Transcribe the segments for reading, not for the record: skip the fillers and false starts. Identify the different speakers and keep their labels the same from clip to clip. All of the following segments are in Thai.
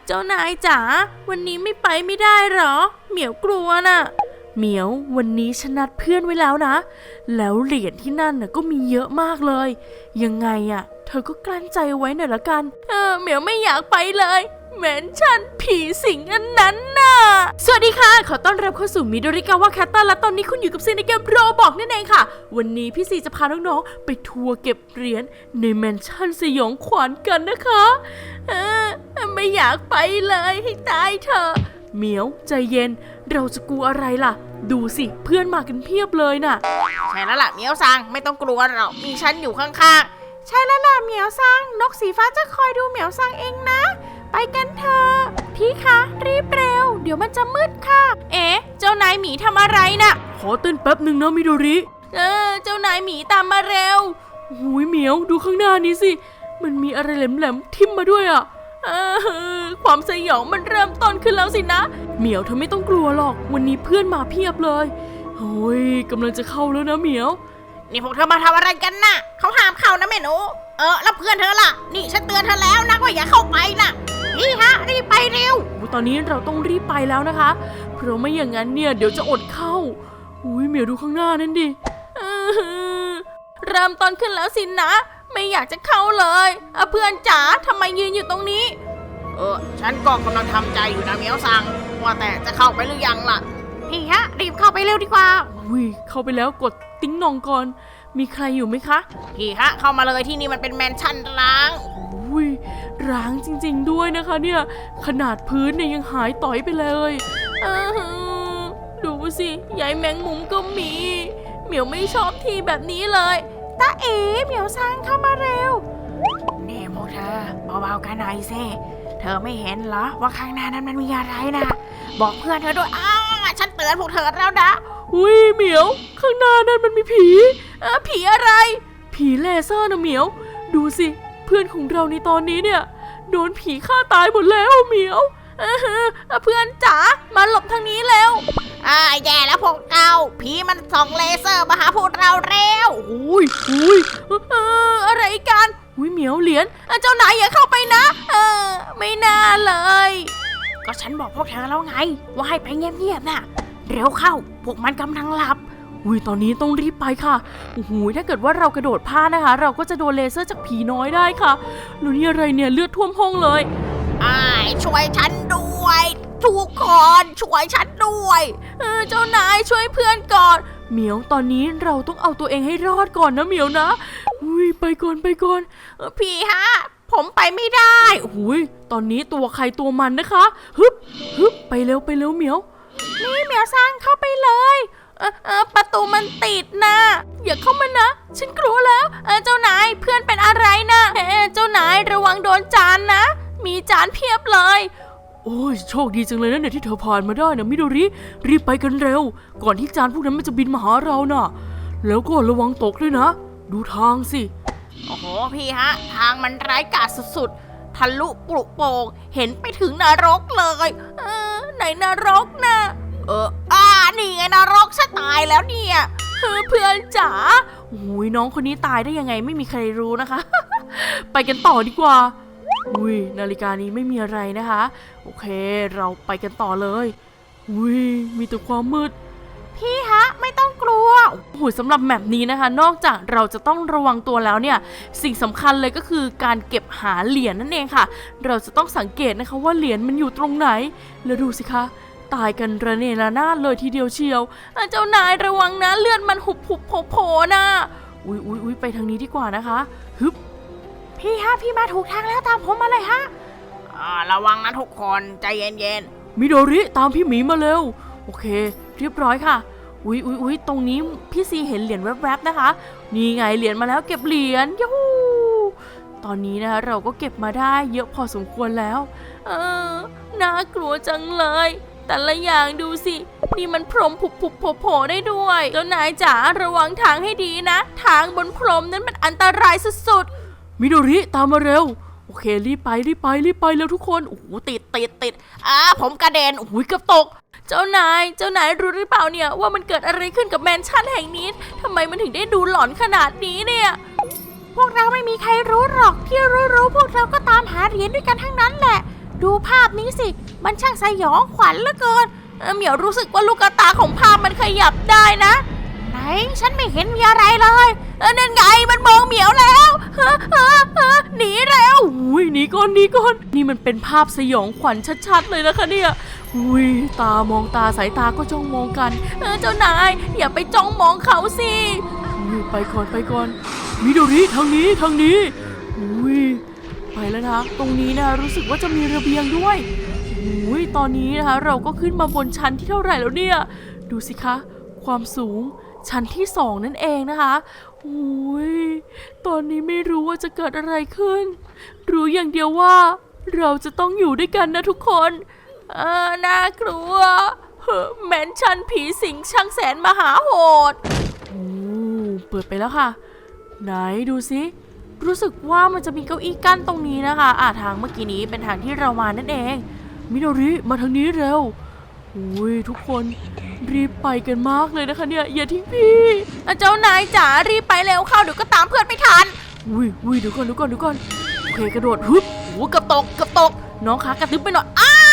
Speaker 1: เจ้านายจ๋าวันนี้ไม่ไปไม่ได้หรอเหมียวกลัวน่ะเหมียววันนี้ฉันนัดเพื่อนไว้แล้วนะแล้วเหรียญที่นั่นน่ะก็มีเยอะมากเลยยังไงอะเธอก็กลั้นใจไว้หน่อยละกันเหมียวไม่อยากไปเลยแมนชั่นผีสิงอันนั้นน่ะสวัสดีค่ะขอต้อนรับเข้าสู่มิโดริกาวะแคตเตอร์และตอนนี้คุณอยู่กับซีในเกมโรบอกนั่นเองค่ะวันนี้พี่ซีจะพาน้องๆไปทัวร์เก็บเหรียญในแมนชั่นสยองขวัญกันนะคะไม่อยากไปเลยให้ตายเถอะเหมียวใจเย็นเราจะกลัวอะไรล่ะดูสิเพื่อนมากันเพียบเลยน่ะ
Speaker 2: ใช่แล้วล่ะเหมียวซังไม่ต้องกลัวหรอกมีฉันอยู่ข้างๆใช่แล้วล่ะเหมียวซังนกสีฟ้าจะคอยดูเหมียวซังเองนะไปกันเถอะพี่คะรีบเร็วเดี๋ยวมันจะมืดค่ะ
Speaker 1: เจ้านายหมีทำอะไรน่ะขอเต้นแป๊บหนึ่งนะมิโดริเจ้านายหมีตามมาเร็วหูยเหมียวดูข้างหน้านี้สิมันมีอะไรแหลมๆทิ่มมาด้วยอ่ะความสยองมันเริ่มต้นขึ้นแล้วสินะเหมียวเธอไม่ต้องกลัวหรอกวันนี้เพื่อนมาเพียบเลยโอ้ยกำลังจะเข้าแล้วนะเหมียว
Speaker 2: นี่พวกเธอมาทำอะไรกันน่ะเขาห้ามเข้านะแม่หนูแล้วเพื่อนเธอล่ะนี่ฉันเตือนเธอแล้วนะว่าอย่าเข้าไปนะพี่ฮะรีบไปเร็ว
Speaker 1: ตอนนี้เราต้องรีบไปแล้วนะคะเพราะไม่อย่างนั้นเนี่ยเดี๋ยวจะอดเข้าอุ้ยเหมียวดูข้างหน้านั่นดิเริ่มต้นขึ้นแล้วสินะไม่อยากจะเข้าเลยเพื่อนจ๋าทำไมยืนอยู่ตรงนี้
Speaker 2: ฉันก็กำลังทำใจอยู่นะเหมียวซังว่าแต่จะเข้าไปหรือยังล่ะพี่ฮะรีบเข้าไปเร็วดีกว่า
Speaker 1: อุ้ยเข้าไปแล้วกดติ๊งนองก่อนมีใครอยู่ไหมคะ
Speaker 2: พี่ฮะเข้ามาเลยที่นี่มันเป็นแมนชั่นร้าง
Speaker 1: อุ้ยร้างจริงๆด้วยนะคะเนี่ยขนาดพื้นเนี่ยยังหายต่อยไปเลยดูสิยายแมงมุมก็มีเหมียวไม่ชอบทีแบบนี้เลย
Speaker 2: ตาเหมียวซังเข้ามาเร็วนี่พวกเธอเบาๆกันหน่อยสิเธอไม่เห็นเหรอว่าข้างหน้านั้นมันมีอะไรนะบอกเพื่อนเธอด้วยฉันเตือนพวกเธอแล้วนะ
Speaker 1: อุ้ยเหมียวข้างหน้านั้นมันมีผีผีอะไรผีเลเซอร์นะเหมียวดูสิเพื่อนของเราในตอนนี้เนี่ยโดนผีฆ่าตายหมดแล้วเหมียวเพื่อนจ๋ามาหลบทางนี้แล้ว
Speaker 2: แย่แล้วพวกเราผีมันส่องเลเซอร์มาหาพวกเราเร็ว
Speaker 1: อุ้ยอะไรกันอุ้ยเหมียวเหรียญเจ้านายอย่าเข้าไปนะไม่น่าเลย
Speaker 2: ก็ฉันบอกพวกเธอแล้วไงว่าให้ไปเงียบๆน่ะเร็วเข้าพวกมันกำลังหลับ
Speaker 1: อุ้ยตอนนี้ต้องรีบไปค่ะโอ้โหถ้าเกิดว่าเรากระโดดพลาดนะคะเราก็จะโดนเลเซอร์จากผีน้อยได้ค่ะแล้วนี่อะไรเนี่ยเลือดท่วมห้องเลย
Speaker 2: ช่วยฉันด้วยทุกคนช่วยฉันด้วย
Speaker 1: เจ้านายช่วยเพื่อนก่อนเหมียวตอนนี้เราต้องเอาตัวเองให้รอดก่อนนะเหมียวนะอุ้ยไปก่อน
Speaker 2: พี่ฮะผมไปไม่ได้
Speaker 1: อุ้ยตอนนี้ตัวใครตัวมันนะคะฮึบไปเร็วเหมียว
Speaker 2: นี่เหมียวซังเข้าไปเลยประตูมันติดนะ
Speaker 1: อย่าเข้ามานะฉันกลัวแล้ว
Speaker 2: เจ้านายเพื่อนเป็นอะไรนะ
Speaker 1: เจ้านายระวังโดนจานนะมีจานเพียบเลยโอ้ยโชคดีจังเลยนะเนี่ยที่เธอผ่านมาได้นะมิโดริรีบไปกันเร็วก่อนที่จานพวกนั้นมันจะบินมาหาเราน่ะแล้วก็ระวังตกด้วยนะดูทางสิ
Speaker 2: โอ้โหพี่ฮะทางมันร้ายกาจสุดๆทะลุปลุกโป่งเห็นไปถึงนรกเลย
Speaker 1: ไหนนรกนะ
Speaker 2: นี่ไงนรกฉันตายแล้วเนี่ย
Speaker 1: เพื่อนจ๋าโอ้ยน้องคนนี้ตายได้ยังไงไม่มีใครรู้นะคะ ไปกันต่อดีกว่าอุ้ยนาฬิกานี้ไม่มีอะไรนะคะโอเคเราไปกันต่อเลยอุ้ยมีแต่ความมืด
Speaker 2: พี่ฮะไม่ต้องกลัว
Speaker 1: โอ้โหสำหรับแมปนี้นะคะนอกจากเราจะต้องระวังตัวแล้วเนี่ยสิ่งสำคัญเลยก็คือการเก็บหาเหรียญนั่นเองค่ะเราจะต้องสังเกตนะคะว่าเหรียญมันอยู่ตรงไหนแล้วดูสิคะตายกันระเนระนาดเลยทีเดียวเชียวเจ้านายระวังนะเลือดมันหุบโผล่นะอุ้ยไปทางนี้ดีกว่านะคะฮึบ
Speaker 2: พี่ฮะพี่มาถูกทางแล้วตามผมมาเลยฮะระวังนะทุกคนใจเย็น
Speaker 1: มิโดริตามพี่หมีมาเร็วโอเคเรียบร้อยค่ะอุ้ยตรงนี้พี่ซีเห็นเหรียญแวบๆนะคะนี่ไงเหรียญมาแล้วเก็บเหรียญยูฮูตอนนี้นะคะเราก็เก็บมาได้เยอะพอสมควรแล้วน่ากลัวจังเลยแต่ละอย่างดูสินี่มันพรมผุบโผล่ได้ด้วยเจ้านายจ๋าระวังทางให้ดีนะทางบนพรมนั้นมันอันตรายสุดๆมิโดริตามมาเร็วโอเครีบไปแล้วทุกคนโอ้โหติด
Speaker 2: ผมกระเด็น
Speaker 1: โอ้ยเกือบตกเจ้านายรู้หรือเปล่าเนี่ยว่ามันเกิดอะไรขึ้นกับแมนชั่นแห่งนี้ทำไมมันถึงได้ดูหลอนขนาดนี้เนี่ย
Speaker 2: พวกเราไม่มีใครรู้หรอกที่รู้พวกเราก็ตามหาเหรียญด้วยกันทั้งนั้นแหละดูภาพนี้สิมันช่างสยองขวัญเหลือเกินเหมียวรู้สึกว่าลูกตาของภาพมันขยับได้นะไหนฉันไม่เห็นมีอะไรเลยนั่นไงมันมองเหมียวแล้วหนีเร็ว
Speaker 1: อุ้ยหนีก่อนหนีก่อนนี่มันเป็นภาพสยองขวัญชัดๆเลยนะคะเนี่ยอุ้ยตามองตาสายตาก็จ้องมองกัน
Speaker 2: เจ้านายอย่าไปจ้องมองเขาสิ
Speaker 1: ไปก่อนมิโดริทางนี้อุ้ยไปแล้วนะตรงนี้นะรู้สึกว่าจะมีระเบียงด้วยอุ้ยตอนนี้นะคะเราก็ขึ้นมาบนชั้นที่เท่าไหร่แล้วเนี่ยดูสิคะความสูงชั้นที่2นั่นเองนะคะอุ้ยตอนนี้ไม่รู้ว่าจะเกิดอะไรขึ้นรู้อย่างเดียวว่าเราจะต้องอยู่ด้วยกันนะทุกคน
Speaker 2: น่ากลัวแมนชั่นผีสิงช่างแสนมหาโหด
Speaker 1: เปิดไปแล้วค่ะไหนดูสิรู้สึกว่ามันจะมีเก้าอี้กั้นตรงนี้นะคะทางเมื่อกี้นี้เป็นทางที่เรามานั่นเองมิโดริมาทางนี้เร็วอุ้ยทุกคนรีบไปกันมากเลยนะคะเนี่ยอย่าทิ้งพี่
Speaker 2: เจ้านายจ๋ารีบไปเร็วเข้าเดี๋ยวก็ตามเพื่อนไม่ทัน
Speaker 1: อุ้ยเดี๋ยวก่อนโอเคกระโดดฮึบ
Speaker 2: เกือบตก
Speaker 1: น้องขากระตึ๊บไปหน่อย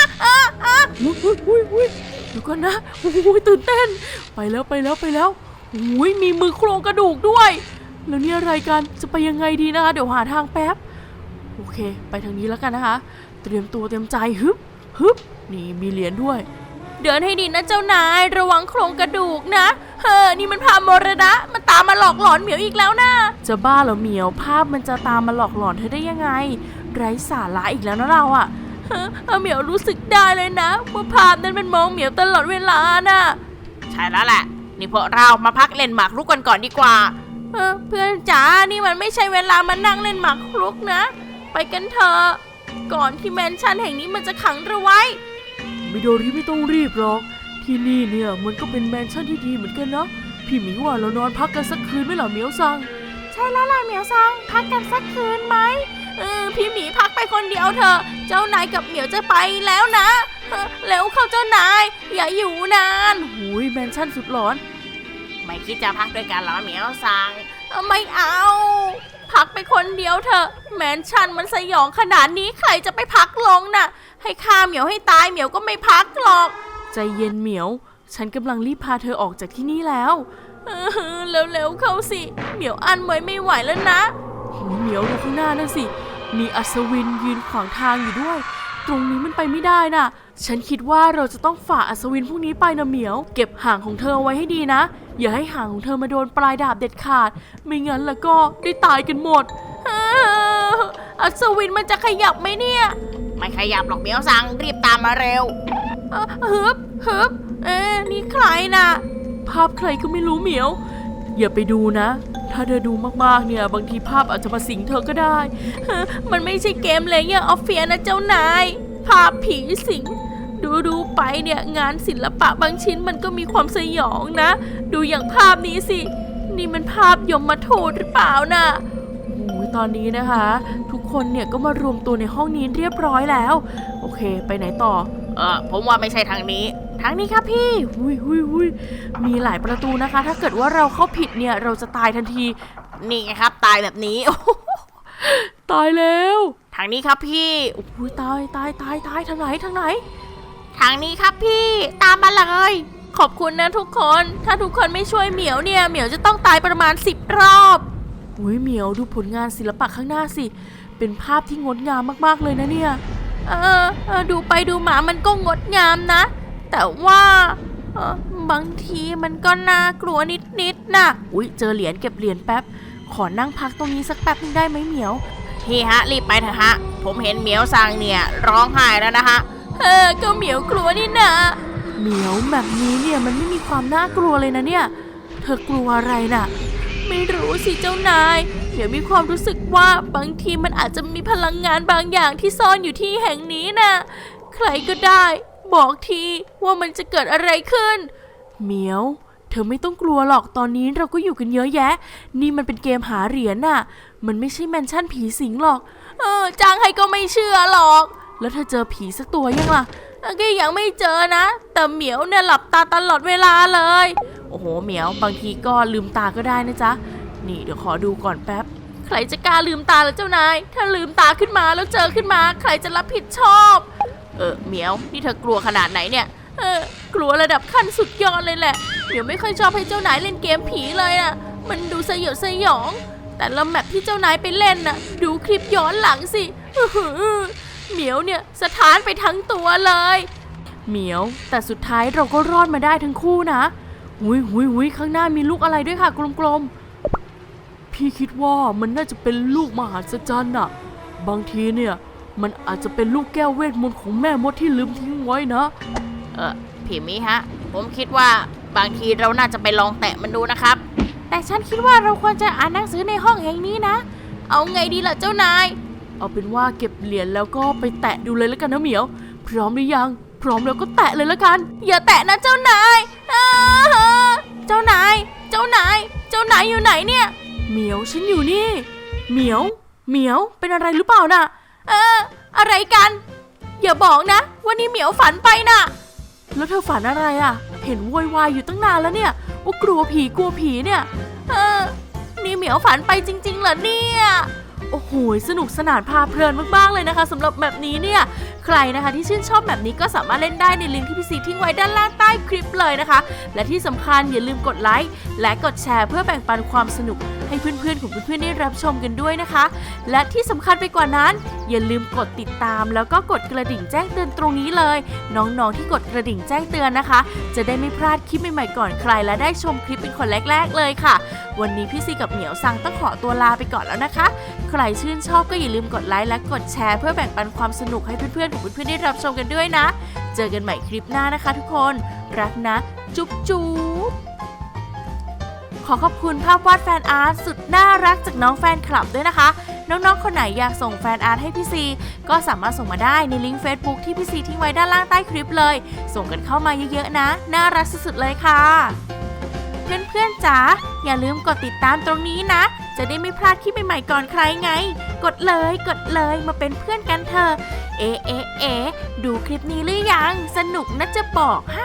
Speaker 1: อุ้ยเดี๋ยวก่อนนะอุ้ยตื่นเต้นไปแล้วอุ้ยมีมือโครงกระดูกด้วยแล้วนี่อะไรกันจะไปยังไงดีนะคะเดี๋ยวหาทางแป๊บโอเคไปทางนี้แล้วกันนะคะเตรียมตัวเตรียมใจฮึบนี่มีเหรียญด้วย
Speaker 2: เดินให้ดีนะเจ้านายระวังโครงกระดูกนะนี่มันภาพมรณะมันตามมาหลอกหลอนเหมียวอีกแล้วนะ
Speaker 1: จะบ้าเหรอเหมียวภาพมันจะตามมาหลอกหลอนเธอได้ยังไงไร้สาระอีกแล้วนะเราอะ
Speaker 2: เหมียวรู้สึกได้เลยนะว่าภาพนั้นมันมองเหมียวตลอดเวลาน่ะใช่แล้วแหละนี่พวกเรามาพักเล่นหมากรุกกันก่อนดีกว่าเพื่อนจ๋านี่มันไม่ใช่เวลามานั่งเล่นหมากรุกนะไปกันเถอะก่อนที่แมนชั่นแห่งนี้มันจะขังเราไว้
Speaker 1: มิโดริไม่ต้องรีบหรอกที่นี่เนี่ยมันก็เป็นแมนชั่นที่ดีเหมือนกันนะพี่หมีว่าเรานอนพักกันสักคืนไหมล่ะเหมียวซัง
Speaker 2: ใช่แล้วล่ะเหมียวซังพักกันสักคืนไหมพี่หมีพักไปคนเดียวเถอะเจ้านายกับเหมียวจะไปแล้วนะแล้วเข้าเจ้านายอย่าอยู่นาน
Speaker 1: หุยแมนชั่นสุดหลอน
Speaker 2: ไม่คิดจะพักด้วยกันเหรอเหมียวซังไม่เอาพักไปคนเดียวเถอะแมนชั่นมันสยองขนาดนี้ใครจะไปพักลงน่ะให้ฆ่าเหมียวให้ตายเหมียวก็ไม่พักหรอก
Speaker 1: ใจเย็นเหมียวฉันกำลังรีบพาเธอออกจากที่นี่แล้ว
Speaker 2: เร็วๆเข้าสิเหมียวอั้นไว้ไม่ไหวแล้วนะ
Speaker 1: เหมียวดูข้างหน้านั่นสิมีอัศวินยืนขวางทางอยู่ด้วยตรงนี้มันไปไม่ได้น่ะฉันคิดว่าเราจะต้องฝ่าอัศวินพวกนี้ไปนะเหมียวเก็บหางของเธอไว้ให้ดีนะอย่าให้หางของเธอมาโดนปลายดาบเด็ดขาดไม่งั้นแล้วก็ได้ตายกันหมด
Speaker 2: อัศวินมันจะขยับไหมเนี่ยไม่ขยับหรอกเหมียวซังรีบตามมาเร็วฮึบนี่ใครน่ะ
Speaker 1: ภาพใครก็ไม่รู้เหมียวอย่าไปดูนะถ้าเธอดูมากๆเนี่ยบางทีภาพอาจจะมาสิงเธอก็ได้
Speaker 2: มันไม่ใช่เกมเลยอย่างออฟเฟียนะเจ้านายภาพผีสิงดูไปเนี่ยงานศิลปะบางชิ้นมันก็มีความสยองนะดูอย่างภาพนี้สินี่มันภาพยมทูตหรือเปล่าน่ะ
Speaker 1: ตอนนี้นะคะทุกคนเนี่ยก็มารวมตัวในห้องนี้เรียบร้อยแล้วโอเคไปไหนต่อ
Speaker 2: ผมว่าไม่ใช่ทางนี้ครับพี่
Speaker 1: มีหลายประตูนะคะถ้าเกิดว่าเราเข้าผิดเนี่ยเราจะตายทันที
Speaker 2: นี่ไงครับตายแบบนี้
Speaker 1: ตายแล้ว
Speaker 2: ทางนี้ครับพี่
Speaker 1: ตายทางไหน
Speaker 2: ทางนี้ครับพี่ตามมาเลยขอบคุณนะทุกคนถ้าทุกคนไม่ช่วยเหมียวเนี่ยเหมียวจะต้องตายประมาณ10 รอบ
Speaker 1: เหมียวดูผลงานศิลปะข้างหน้าสิเป็นภาพที่งดงามมากๆเลยนะเนี่ย
Speaker 2: ดูไปดูมามันก็งดงามนะแต่ว่าบางทีมันก็น่ากลัวนิดนะ
Speaker 1: เจอเหรียญเก็บเหรียญแป๊บขอนั่งพักตรงนี้สักแป๊บนึงได้ไหมเหมียว
Speaker 2: พี่ฮะรีบไปเถอะฮะผมเห็นเหมียวซังเนี่ยร้องไห้แล้วนะฮะก็เหมียวกลัวนี่นะ
Speaker 1: เหมียวแบบนี้เนี่ยมันไม่มีความน่ากลัวเลยนะเนี่ยเธอกลัวอะไรน่ะ
Speaker 2: ไม่รู้สิเจ้านายเหมียวมีความรู้สึกว่าบางทีมันอาจจะมีพลังงานบางอย่างที่ซ่อนอยู่ที่แห่งนี้นะใครก็ได้บอกทีว่ามันจะเกิดอะไรขึ้น
Speaker 1: เหมียวเธอไม่ต้องกลัวหรอกตอนนี้เราก็อยู่กันเยอะแยะนี่มันเป็นเกมหาเหรียญน่ะมันไม่ใช่แมนชั่นผีสิงหรอก
Speaker 2: จ้างให้ก็ไม่เชื่อหรอก
Speaker 1: แล้วเธอเจอผีสักตัวยังล่ะ
Speaker 2: ก็ยังไม่เจอนะแต่เหมียวเนี่ยหลับตาตลอดเวลาเลย
Speaker 1: โอ้โหเหมียวบางทีก็ลืมตาก็ได้นะจ๊ะนี่เดี๋ยวขอดูก่อนแป๊บ
Speaker 2: ใครจะกล้าลืมตาแล้วเจ้านายถ้าลืมตาขึ้นมาแล้วเจอขึ้นมาใครจะรับผิดชอบเหมียวนี่เธอกลัวขนาดไหนเนี่ยกลัวระดับขั้นสุดยอดเลยแหละเหมียวไม่ค่อยชอบให้เจ้านายเล่นเกมผีเลยอะมันดูสยดสยองแต่ละแมปที่เจ้านายไปเล่นน่ะดูคลิปย้อนหลังสิเหมียวเนี่ยสะท้านไปทั้งตัวเลยเหมียวแต่สุดท้ายเราก็รอดมาได้ทั้งคู่นะหุยข้างหน้ามีลูกอะไรด้วยค่ะกลมๆพี่คิดว่ามันน่าจะเป็นลูกมหัศจรรย์น่ะบางทีเนี่ยมันอาจจะเป็นลูกแก้วเวทมนต์ของแม่มดที่ลืมทิ้งไว้นะพี่มิฮะผมคิดว่าบางทีเราน่าจะไปลองแตะมันดูนะครับแต่ฉันคิดว่าเราควรจะอ่านหนังสือในห้องแห่งนี้นะเอาไงดีล่ะเจ้านายเอาเป็นว่าเก็บเหรียญแล้วก็ไปแตะดูเลยแล้วกันนะเหมียวพร้อมหรือยังพร้อมแล้วก็แตะเลยแล้วกันอย่าแตะนะเจ้านายเจ้านายอยู่ไหนเนี่ยเหมียวฉันอยู่นี่เหมียวเป็นอะไรหรือเปล่าน่ะอะไรกันอย่าบอกนะวันนี้เหมียวฝันไปน่ะแล้วเธอฝันอะไรอ่ะเห็นโวยวายอยู่ตั้งนานแล้วเนี่ยว่ากลัวผีเนี่ยนี่เหมียวฝันไปจริงๆเหรอเนี่ยโอ้โหสนุกสนานพาเพลินมากๆเลยนะคะสำหรับแบบนี้เนี่ยใครนะคะที่ชื่นชอบแบบนี้ก็สามารถเล่นได้ในลิงก์ที่พี่ซีทิ้งไว้ด้านล่างใต้คลิปเลยนะคะและที่สำคัญอย่าลืมกดไลค์และกดแชร์เพื่อแบ่งปันความสนุกให้เพื่อนๆของเพื่อนๆได้รับชมกันด้วยนะคะและที่สำคัญไปกว่านั้นอย่าลืมกดติดตามแล้วก็กดกระดิ่งแจ้งเตือนตรงนี้เลยน้องๆที่กดกระดิ่งแจ้งเตือนนะคะจะได้ไม่พลาดคลิปใหม่ๆก่อนใครและได้ชมคลิปเป็นคนแรกๆเลยค่ะวันนี้พี่ซีกับเหมียวซังต้องขอตัวลาไปก่อนแล้วนะคะใครชื่นชอบก็อย่าลืมกดไลค์และกดแชร์เพื่อแบ่งปันความสนุกให้เพื่อนๆของเพื่อนๆได้รับชมกันด้วยนะเจอกันใหม่คลิปหน้านะคะทุกคนรักนะจุ๊บขอขอบคุณภาพวาดแฟนอาร์ตสุดน่ารักจากน้องแฟนคลับด้วยนะคะน้องๆคนไหนอยากส่งแฟนอาร์ตให้พี่ซีก็สามารถส่งมาได้ในลิงก์ Facebook ที่พี่ซีทิ้งไว้ด้านล่างใต้คลิปเลยส่งกันเข้ามาเยอะๆนะน่ารักสุดๆเลยค่ะเพื่อนๆจ๋าอย่าลืมกดติดตามตรงนี้นะจะได้ไม่พลาดคลิปใหม่ๆก่อนใครไงกดเลยมาเป็นเพื่อนกันเถอะดูคลิปนี้หรือยังสนุกนะจะบอกให้